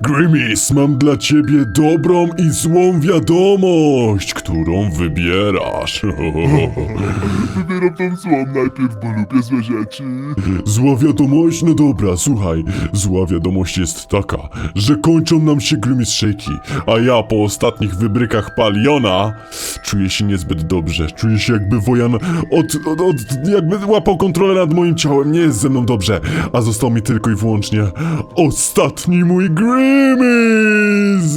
Grimace, mam dla ciebie dobrą i złą wiadomość, którą wybierasz. Wybieram tą złą najpierw, bo lubię złe rzeczy. Zła wiadomość? No dobra, słuchaj. Zła wiadomość jest taka, że kończą nam się Grimace Shake'i, a ja po ostatnich wybrykach Paliona czuję się niezbyt dobrze. Czuję się jakby Wojan jakby łapał kontrolę nad moim ciałem. Nie jest ze mną dobrze, a został mi tylko i wyłącznie ostatni mój Grimace.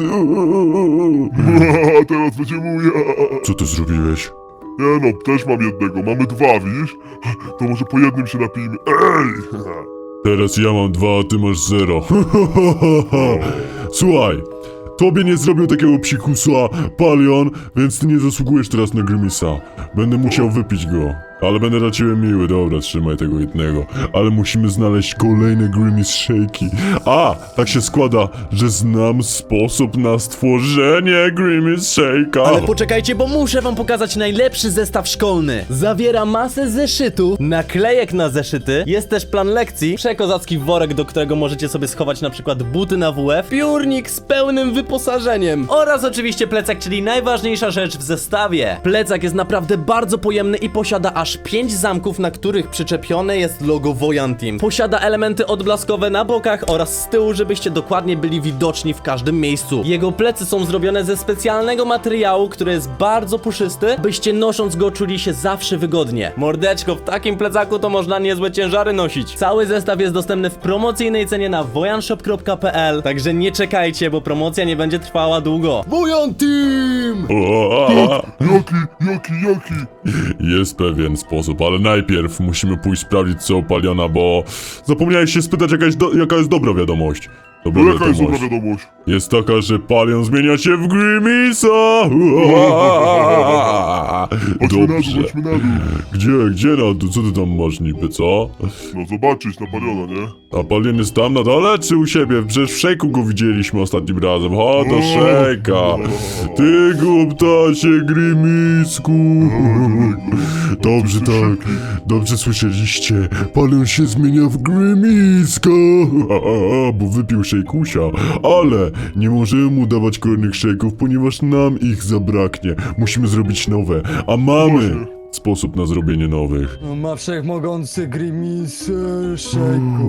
A teraz będzie mój. Co ty zrobiłeś? Nie no, też mam jednego. Mamy dwa, widzisz? To może po jednym się napijmy. Ej! Teraz ja mam 2, a ty masz 0. Słuchaj, tobie nie zrobił takiego psikusa Palion, więc ty nie zasługujesz teraz na Grimace'a. Będę musiał wypić go, ale będę dla ciebie miły. Dobra, trzymaj tego jednego. Ale musimy znaleźć kolejne Grimace Shake'i. A, tak się składa, że znam sposób na stworzenie Grimace Shake'a. Ale poczekajcie, bo muszę wam pokazać najlepszy zestaw szkolny. Zawiera masę zeszytu, naklejek na zeszyty, jest też plan lekcji, przekozacki worek, do którego możecie sobie schować na przykład buty na WF, piórnik z pełnym wyposażeniem oraz oczywiście plecak, czyli najważniejsza rzecz w zestawie. Plecak jest naprawdę bardzo pojemny i posiada aż 5 zamków, na których przyczepione jest logo Wojan Team. Posiada elementy odblaskowe na bokach oraz z tyłu, żebyście dokładnie byli widoczni w każdym miejscu. Jego plecy są zrobione ze specjalnego materiału, który jest bardzo puszysty, byście nosząc go czuli się zawsze wygodnie. Mordeczko, w takim plecaku to można niezłe ciężary nosić. Cały zestaw jest dostępny w promocyjnej cenie na wojanshop.pl, także nie czekajcie, bo promocja nie będzie trwała długo. Wojan Team! Joki. Jest pewien sposób, ale najpierw musimy pójść sprawdzić co u Paliona, bo zapomniałeś się spytać jaka jest dobra wiadomość. Dobra No jaka jest wiadomość dobra wiadomość? jest taka, że Palion zmienia się w Grimace'a. Chodźmy na dół, Dobrze. chodźmy na dół. Gdzie na dół? Co ty tam masz niby, co? No zobaczyć na Paliona, nie? A Palion jest tam na dole czy u siebie? Przecież w szejku go widzieliśmy ostatnim razem. Chodź do szejka. Ty głuptacie Grimisku. Dobrze, tak. Dobrze słyszeliście. Palion się zmienia w Grimiska. Bo wypił szejkusia. Ale nie możemy mu dawać kolejnych szejków, ponieważ nam ich zabraknie. Musimy zrobić nowe. A mamy Właśnie. sposób na zrobienie nowych. Ma wszechmogący Grimis Shake'u.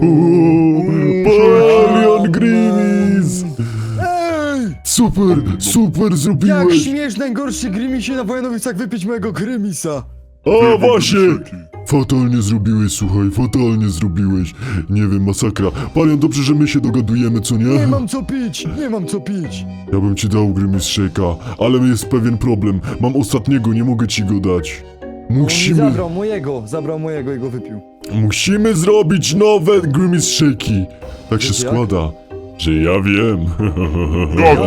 Palion Grimis! Ej! Super Jak zrobiłeś! śmiesz najgorszy Grimisie na Wojanowicach wypić mojego Grimisa? O, właśnie! Fatalnie zrobiłeś, słuchaj, fatalnie zrobiłeś. Nie wiem, masakra. Palion, dobrze, że my się dogadujemy, co nie? Nie mam co pić, nie mam co pić. Ja bym ci dał Grimace Shake'a, ale jest pewien problem. Mam ostatniego, nie mogę ci go dać. On mi Musimy... zabrał mojego i go wypił. Musimy zrobić nowe Grimace Shake'i. Tak się Jak? składa, że ja wiem. Jak?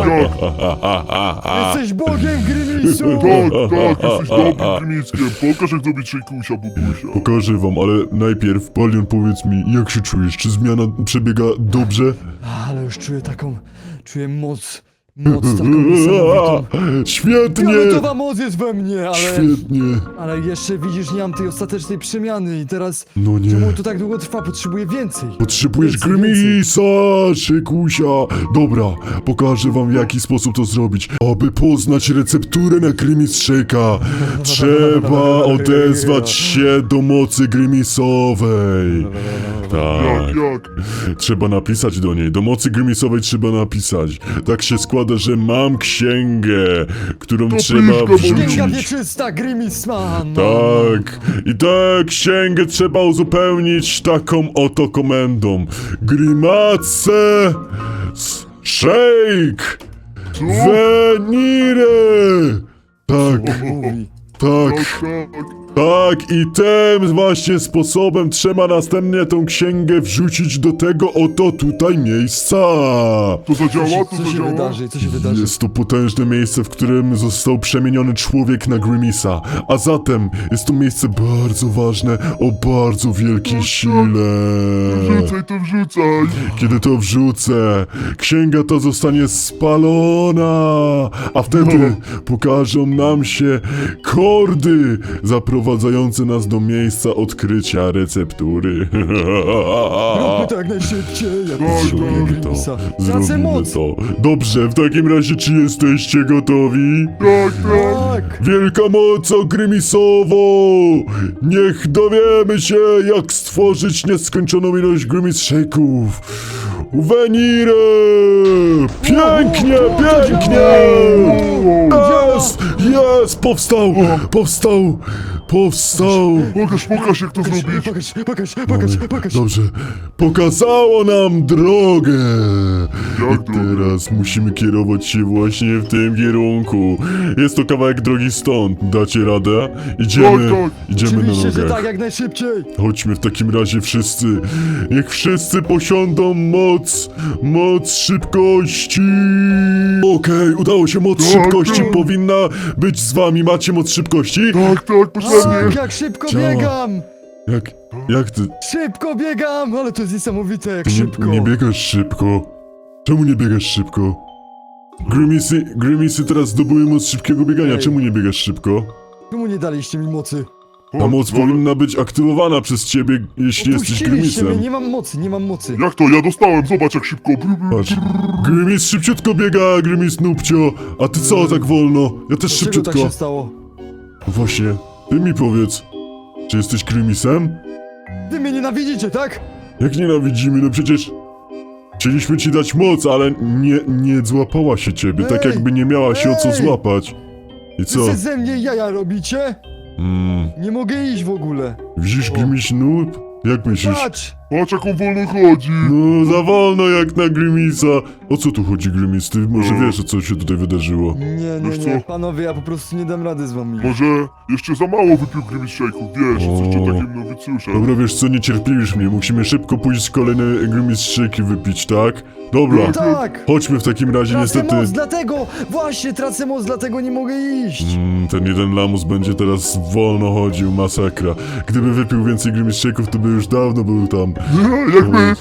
Jesteś Bogiem Grimisu! Tak, jesteś dobrym Grimickiem. Pokaż jak zrobić szejkusia, bubusia. Pokażę wam, ale najpierw, Palion, powiedz mi, jak się czujesz? Czy zmiana przebiega dobrze? Ale już czuję moc taką niesamowitą. Świetnie! Fioletowa moc jest we mnie, Świetnie! ale jeszcze widzisz, nie mam tej ostatecznej przemiany i teraz... No nie. Czemu to tak długo trwa? Potrzebuję więcej. Potrzebujesz Więcej. Grimisa, szykusia. Dobra, pokażę wam w jaki sposób to zrobić. Aby poznać recepturę na Grimace Shake'a, trzeba odezwać się do mocy Grimisowej. Tak. Jak? Trzeba napisać do niej. Do mocy Grimisowej trzeba napisać. Tak się składa, że mam księgę, którą To trzeba piszka, bo- Księga wrzucić. wieczysta, Grimisman! Tak, i tę księgę trzeba uzupełnić taką oto komendą. Grimace Shake Venire. Tak, Mówi. tak. Tak. Tak, i tym właśnie sposobem trzeba następnie tą księgę wrzucić do tego oto tutaj miejsca. To zadziała? To Co się zadziała? wydarzy? Co się wydarzy? Jest to potężne miejsce, w którym został przemieniony człowiek na Grimisa. A zatem jest to miejsce bardzo ważne, o bardzo wielkiej sile. Wrzucaj. Kiedy to wrzucę, księga ta zostanie spalona, a wtedy pokażą nam się kordy zaprowadzonego doprowadzające nas do miejsca odkrycia receptury. Róbmy to jak najszybciej. Ja potrzebuję Zrobimy to. Grimisa. Tracę Zrobimy moc. to. Dobrze, w takim razie czy jesteście gotowi? Tak, tak. Tak. Wielka moc Grimisowo! Niech dowiemy się, jak stworzyć nieskończoną ilość Grimis Shake'ów! Venire! Pięknie, pięknie! Jest! Jest! Powstał! Powstał! Powstał! Pokaż jak to zrobić. Pokaż. Dobrze. Pokazało nam drogę! Jak I drogę? teraz musimy kierować się właśnie w tym kierunku. Jest to kawałek drogi stąd. Dacie radę? Idziemy. Tak, Idziemy na Oczywiście, że nogach. tak, jak najszybciej. Chodźmy w takim razie wszyscy. Niech wszyscy posiądą moc szybkości. Okej, udało się, moc Tak, szybkości tak. powinna być z wami. Macie moc szybkości? Tak, Tak, potrzebnie. jak szybko Działa. biegam. Jak ty? Szybko biegam, ale to jest niesamowite, jak Ty szybko. nie biegasz szybko. Czemu nie biegasz szybko? Grimisy teraz zdobyły moc szybkiego biegania. Ej. Czemu nie biegasz szybko? Czemu nie daliście mi mocy? Ta moc powinna być aktywowana przez ciebie, jeśli jesteś Opuściliście mnie, Grimisem. nie mam mocy. Jak to? Ja dostałem, zobacz jak szybko. Patrz. Grimis szybciutko biega, Grimis nupcio. A ty co tak wolno? Ja też Dlaczego szybciutko. tak się stało? Właśnie, ty mi powiedz. Czy jesteś Grimisem? Wy mnie nienawidzicie, tak? Jak nienawidzimy, no przecież... Chcieliśmy ci dać moc, ale nie złapała się ciebie, tak Ej! jakby nie miała się o co Ej! złapać. I co? Wy ze mnie jaja robicie? Nie mogę iść w ogóle. Widzisz Grimis noob? Jak myślisz? Patrz! Patrz jak on wolno chodzi. No, za wolno jak na Grimisa. O co tu chodzi, Grimis? Ty może wiesz, o co się tutaj wydarzyło? Nie, Wiesz nie, co? panowie, ja po prostu nie dam rady z wami. Może jeszcze za mało wypił Grimis Shake'ów, wiesz, O. coś takim nowicjuszem. Dobra, wiesz co, nie cierpliwisz mnie. Musimy szybko pójść kolejne Grimis Shake'i wypić, tak? Dobra. Tak! Chodźmy w takim razie, Tracę niestety... moc, dlatego! Właśnie, tracę moc, dlatego nie mogę iść! Ten jeden lamus będzie teraz wolno chodził, masakra. Gdyby wypił więcej Grimis Shake'ów, to by już dawno był tam. Jak my?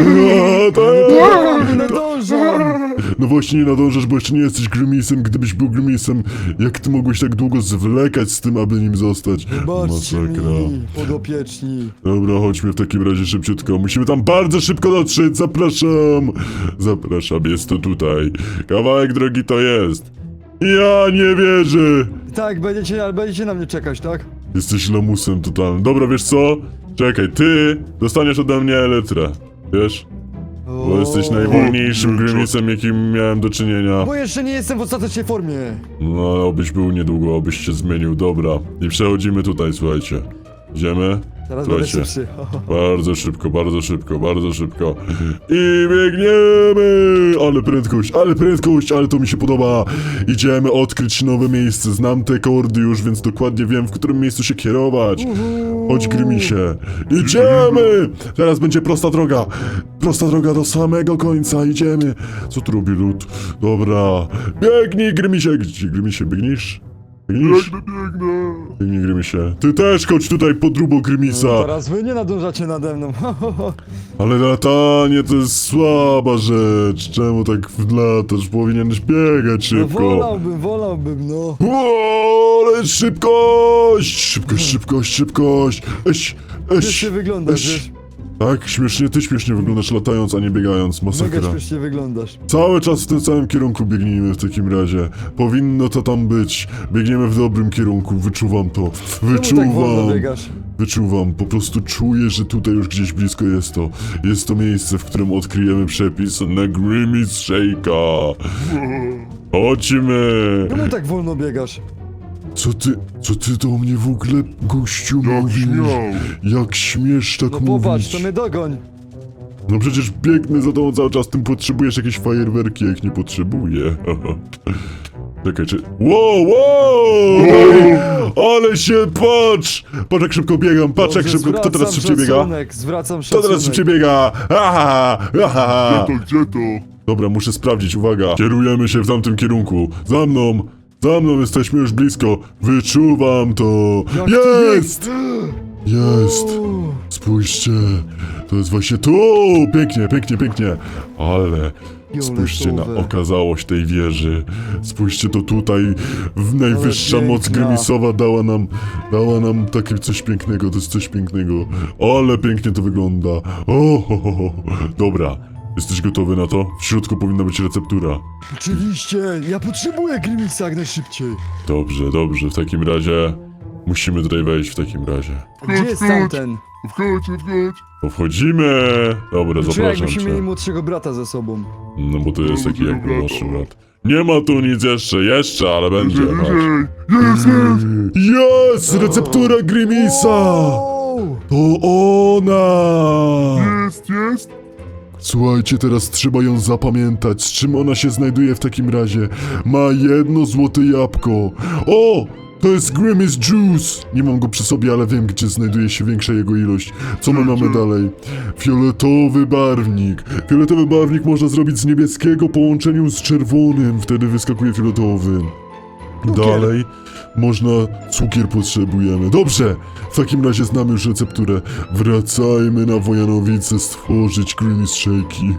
A, tak. Nie nadążam! No właśnie nie nadążasz, bo jeszcze nie jesteś Grimisem. Gdybyś był Grimisem, jak ty mogłeś tak długo zwlekać z tym, aby nim zostać? Baczcie mi, podopieczni. Dobra, chodźmy w takim razie szybciutko. Musimy tam bardzo szybko dotrzeć. Zapraszam. Zapraszam, jest to tutaj. Kawałek drogi to jest. Ja nie wierzę. Tak, będziecie na mnie czekać, tak? Jesteś lamusem totalnym. Dobra, wiesz co? Czekaj, ty dostaniesz ode mnie elytrę. Wiesz? Bo jesteś najwolniejszym kurczę. Grimisem, jakim miałem do czynienia. Bo jeszcze nie jestem w ostatecznej formie. No, obyś był niedługo, obyś się zmienił. Dobra. I przechodzimy tutaj, słuchajcie. Idziemy? Teraz będę Słuchajcie. szybszy. Bardzo szybko, bardzo szybko, bardzo szybko. I biegniemy! Ale prędkość, ale to mi się podoba. Idziemy odkryć nowe miejsce. Znam te kordy już, więc dokładnie wiem, w którym miejscu się kierować. Chodź, Grimisie. Idziemy! Teraz będzie prosta droga. Prosta droga do samego końca. Idziemy. Co tu robi lud? Dobra. Biegnij, Grimisie. Gdzie, Grimisie, biegniesz? Biegniesz? Biegnę. Biegnij, Grimisie. Ty też chodź tutaj pod drubą Grimisa. Teraz wy nie nadążacie nade mną. Ale latanie to jest słaba rzecz. Czemu tak latasz? Powinieneś biegać No szybko. wolałbym, no. O, ale szybkość! Śmiesznie wyglądasz, wiesz? Tak, śmiesznie, ty śmiesznie wyglądasz latając, a nie biegając. Mega Masakra. śmiesznie wyglądasz. Cały czas w tym samym kierunku biegnijmy w takim razie. Powinno to tam być. Biegniemy w dobrym kierunku, wyczuwam to. Czemu tak wolno biegasz? Wyczuwam, po prostu czuję, że tutaj już gdzieś blisko jest to. Jest to miejsce, w którym odkryjemy przepis na Grimis Shake'a. Chodźmy! Czemu tak wolno biegasz? Co ty do mnie w ogóle, gościu, Jak mówisz? śmiał. Jak śmiesz tak No mówić? popatrz, to mnie dogoń. No przecież biegnę za tobą cały czas, tym potrzebujesz jakieś fajerwerki, jak nie potrzebuję. Czekaj, czy... Wow! Ale się patrz! Patrz jak szybko biegam, patrz jak Dobrze, szybko, kto teraz zwracam szybciej biega? szacunek, Zwracam Kto szacunek. teraz szybciej biega? Aha! Gdzie to? Dobra, muszę sprawdzić, uwaga. Kierujemy się w tamtym kierunku. Za mną, jesteśmy już blisko. Wyczuwam to. Jak ty Jest! Jest! Spójrzcie, to jest właśnie tu! Pięknie. Spójrzcie na Fioletowe. okazałość tej wieży. Spójrzcie to tutaj. Najwyższa Ale moc piękna. Grymisowa dała nam takie coś pięknego. To jest coś pięknego. Ale pięknie to wygląda. O, ho, ho, ho. Dobra. Jesteś gotowy na to? W środku powinna być receptura. Oczywiście, ja potrzebuję Grimisa jak najszybciej. Dobrze, dobrze. W takim razie musimy tutaj wejść w takim razie. Gdzie jest tamten? Wchodź. To wchodzimy. Dobra, Czuję, zapraszam jakbyśmy mieli cię. młodszego brata ze sobą. No bo to jest taki Dobra, jakby dobra. młodszy brat. Nie ma tu nic jeszcze, ale będzie. Chodź. Jest! Jest! Receptura Grimisa! Wow! To ona! Jest! Słuchajcie, teraz trzeba ją zapamiętać. Z czym ona się znajduje w takim razie? Ma jedno złote jabłko. O! To jest Grimace Juice! Nie mam go przy sobie, ale wiem, gdzie znajduje się większa jego ilość. Co my mamy dalej? Fioletowy barwnik. Fioletowy barwnik można zrobić z niebieskiego w połączeniu z czerwonym. Wtedy wyskakuje fioletowy. Dalej można... Cukier potrzebujemy. Dobrze! W takim razie znamy już recepturę. Wracajmy na Wojanowice stworzyć Grimace Shake'i.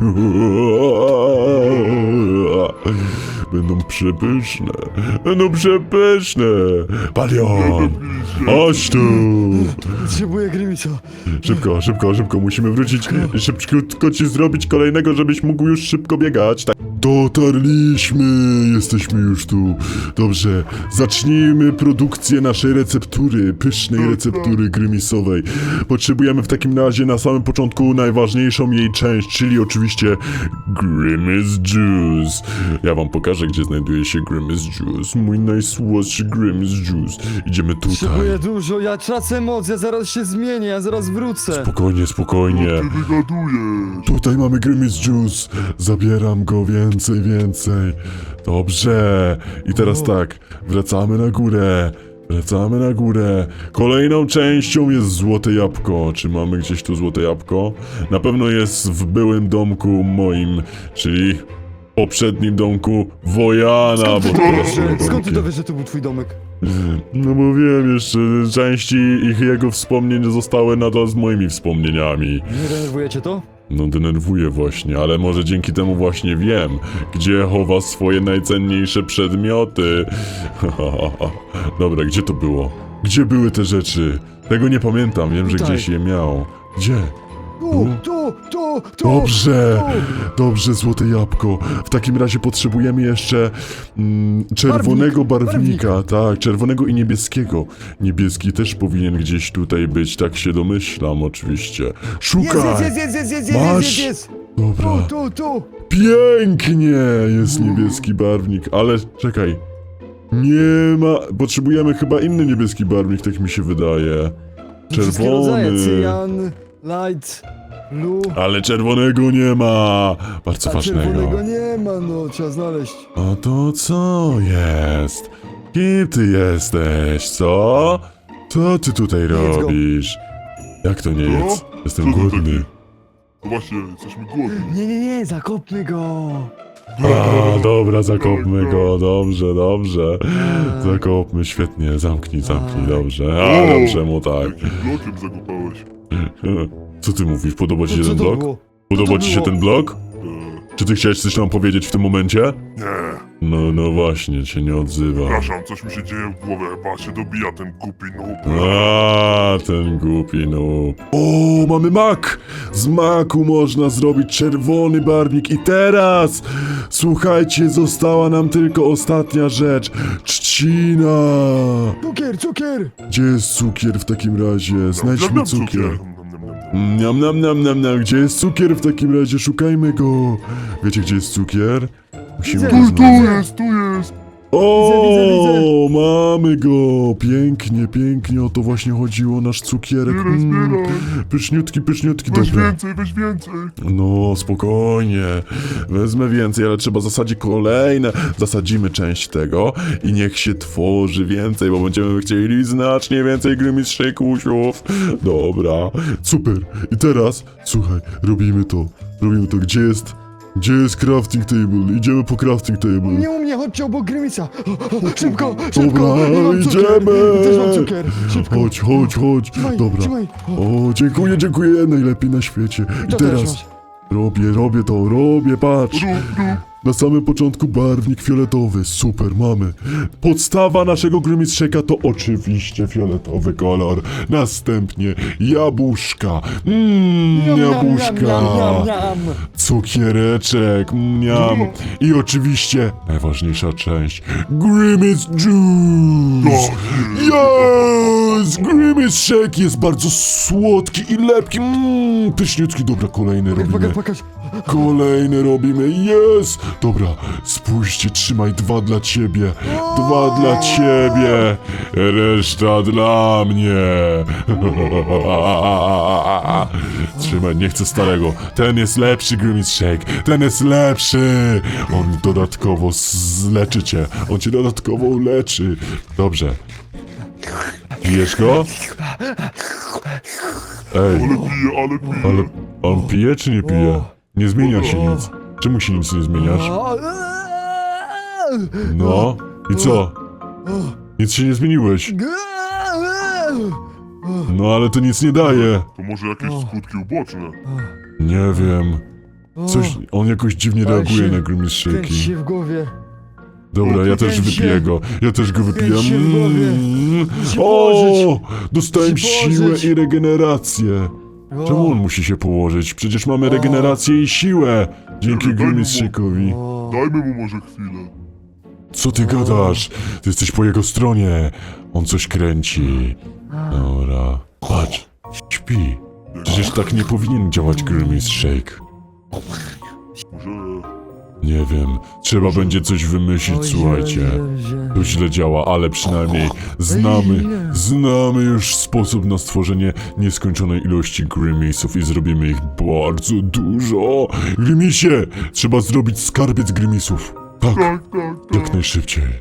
Będą przepyszne. Będą przepyszne. Palion! Chodź tu! Potrzebuję Grimisa. Szybko. Musimy wrócić. Szybciutko ci zrobić kolejnego, żebyś mógł już szybko biegać. Tak. Dotarliśmy! Jesteśmy już tu. Dobrze. Zacznijmy produkcję naszej receptury. Pysznej receptury Grimisowej. Potrzebujemy w takim razie na samym początku najważniejszą jej część, czyli oczywiście Grimace Juice. Ja wam pokażę, gdzie znajduje się Grimace Juice. Mój najsłodszy Grimace Juice. Idziemy tutaj. Potrzebuję dużo, ja tracę moc, ja zaraz się zmienię, ja zaraz wrócę. Spokojnie. Ty wygadujesz! Tutaj mamy Grimace Juice. Zabieram go więcej. Dobrze. I teraz tak, wracamy na górę. Kolejną częścią jest złote jabłko. Czy mamy gdzieś tu złote jabłko? Na pewno jest w byłym domku moim, czyli poprzednim domku Wojana, bo teraz są Skąd ty domki. dowiesz, że to był twój domek? No bo wiem jeszcze, części jego wspomnień zostały nadal z moimi wspomnieniami. Nie denerwujecie to? No denerwuje właśnie, ale może dzięki temu właśnie wiem, gdzie chowa swoje najcenniejsze przedmioty. Dobra, gdzie to było? Gdzie były te rzeczy? Tego nie pamiętam, wiem, że Tutaj. gdzieś je miał. Gdzie? Tu! Dobrze, złote jabłko. W takim razie potrzebujemy jeszcze czerwonego barwnika. Tak, czerwonego i niebieskiego. Niebieski też powinien gdzieś tutaj być, tak się domyślam oczywiście. Szukaj! Masz? Dobra. Tu! Pięknie jest niebieski barwnik, ale czekaj. Nie ma... Potrzebujemy chyba inny niebieski barwnik, tak mi się wydaje. Wszystkie rodzaje, Czerwony. cyjan, light, blue. Ale czerwonego nie ma. Bardzo A ważnego. czerwonego nie ma, no, trzeba znaleźć. A to co jest? Kim ty jesteś, co? Co ty tutaj Jedz go. robisz? Jak to nie Co? jest? Jestem Co to głodny. takie? No właśnie, jesteśmy głodni. Nie, zakopmy go. A, dobra, zakopmy go, dobrze. Zakopmy, świetnie, zamknij, dobrze. A, dobrze mu tak. Jakim blokiem zakopałeś? Co ty mówisz, podoba ci się Co ten to blok? było? Podoba ci się było? ten blok? Czy ty chciałeś coś nam powiedzieć w tym momencie? Nie, No właśnie, się nie odzywa. przepraszam, coś mi się dzieje w głowie, chyba się dobija ten głupi noob. A, ten głupi noob. O, mamy mak! Z maku można zrobić czerwony barwnik i teraz, słuchajcie, została nam tylko ostatnia rzecz. Trzcina! Cukier! Gdzie jest cukier w takim razie? Znajdźmy cukier. Gdzie jest cukier w takim razie? Szukajmy go. Wiecie, gdzie jest cukier? Musimy Widzę. go Tu znaleźć. jest! O, Widzę. mamy go! Pięknie, o to właśnie chodziło, nasz cukierek. Zbieraj. Pyszniutki, Weź dobra. więcej! No, spokojnie. Wezmę więcej, ale trzeba zasadzić kolejne. Zasadzimy część tego i niech się tworzy więcej, bo będziemy chcieli znacznie więcej Grimace Shake'usiów. Dobra, super. I teraz, słuchaj, robimy to. Gdzie jest crafting table? Idziemy po crafting table. Nie u mnie, chodźcie obok Grimisa. Szybko! Dobra, Ja mam cukier. idziemy. Też mam cukier. Szybko. Chodź. Trzymaj, Dobra. trzymaj. O, dziękuję, najlepiej na świecie. I To też teraz masz. Robię to, patrz. Rób. Na samym początku barwnik fioletowy, super, mamy. Podstawa naszego Grimace Shake'a to oczywiście fioletowy kolor. Następnie jabłuszka. Jabłuszka. Cukiereczek, mniam. I oczywiście najważniejsza część, Grimace Juice. Yes! Grimace Shake jest bardzo słodki i lepki. Pyszniutki, dobra, kolejny robimy. Pokaż. Kolejny robimy, jest! Dobra, spójrzcie, trzymaj 2 dla ciebie. 2 dla ciebie. Reszta dla mnie. Trzymaj, nie chcę starego. Ten jest lepszy, Grimace Shake. Ten jest lepszy. On dodatkowo zleczy cię. On cię dodatkowo uleczy. Dobrze. Pijesz go? Ej, Ale pije. ale on pije czy nie pije? Nie zmienia się nic. Czemu się nic nie zmieniasz? No, i co? Nic się nie zmieniłeś. No ale to nic nie daje. To może jakieś skutki uboczne. Nie wiem. Coś, on jakoś dziwnie Ale reaguje się na Grimace Kręci Shake'i. się w głowie. Dobra, ja też kręci się. wypiję go. Ja też go wypiję. Kręci się w głowie. Musi O! położyć. Dostałem Musi siłę położyć. i regenerację. Czemu on musi się położyć? Przecież mamy regenerację i siłę. Dzięki Daj mu Grimace Shake'owi. Dajmy mu może chwilę. Co ty gadasz? Ty jesteś po jego stronie. On coś kręci. Dobra. Patrz. Śpi. Przecież tak nie powinien działać Grimace Shake. Może... Nie wiem. Trzeba będzie coś wymyślić, słuchajcie. To źle działa, ale przynajmniej znamy już sposób na stworzenie nieskończonej ilości Grimace'ów i zrobimy ich bardzo dużo. Grimace'ie! Trzeba zrobić skarbiec Grimace'ów. Tak, Tak. jak najszybciej.